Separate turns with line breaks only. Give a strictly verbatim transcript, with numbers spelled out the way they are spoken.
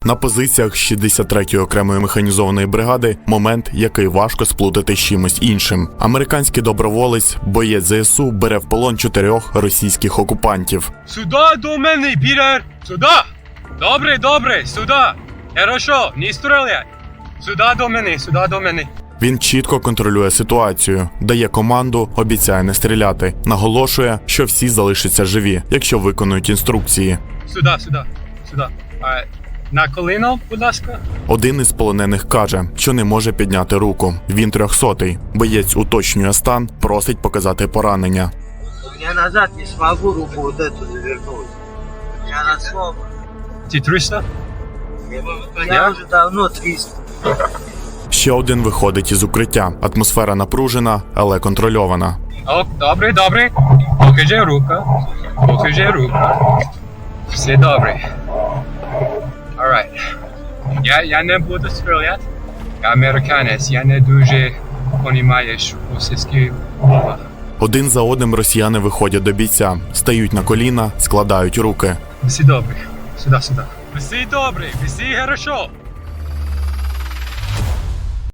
На позиціях шістдесят третьої окремої механізованої бригади момент, який важко сплутати з чимось іншим. Американський доброволець, боєць зе ес у, бере в полон чотирьох російських окупантів.
Сюди до мене, Пітер! Сюди! Добре, добре, сюди! Хорошо, не стріляй! Сюди до мене, сюди до мене.
Він чітко контролює ситуацію, дає команду, обіцяє не стріляти, наголошує, що всі залишаться живі, якщо виконують інструкції.
Сюди, сюди, сюди. А, на коліно, будь ласка.
Один із полонених каже, що не може підняти руку. Він трьохсотий. Боєць уточнює стан, просить показати поранення.
Я назад не смогу руку вот эту завернуть. Я на слово.
Ти триста?
Я уже давно триста.
Ще один виходить із укриття. Атмосфера напружена, але контрольована.
О, добре, добре. Покажи руку. Покажи руку. Все добре. Alright. Я, я не буду стріляти. Я американець, я не дуже розумію російську мову.
Один за одним росіяни виходять до бійця, стають на коліна, складають руки.
Все добре. Сюди, сюди. Все добре, все хорошо.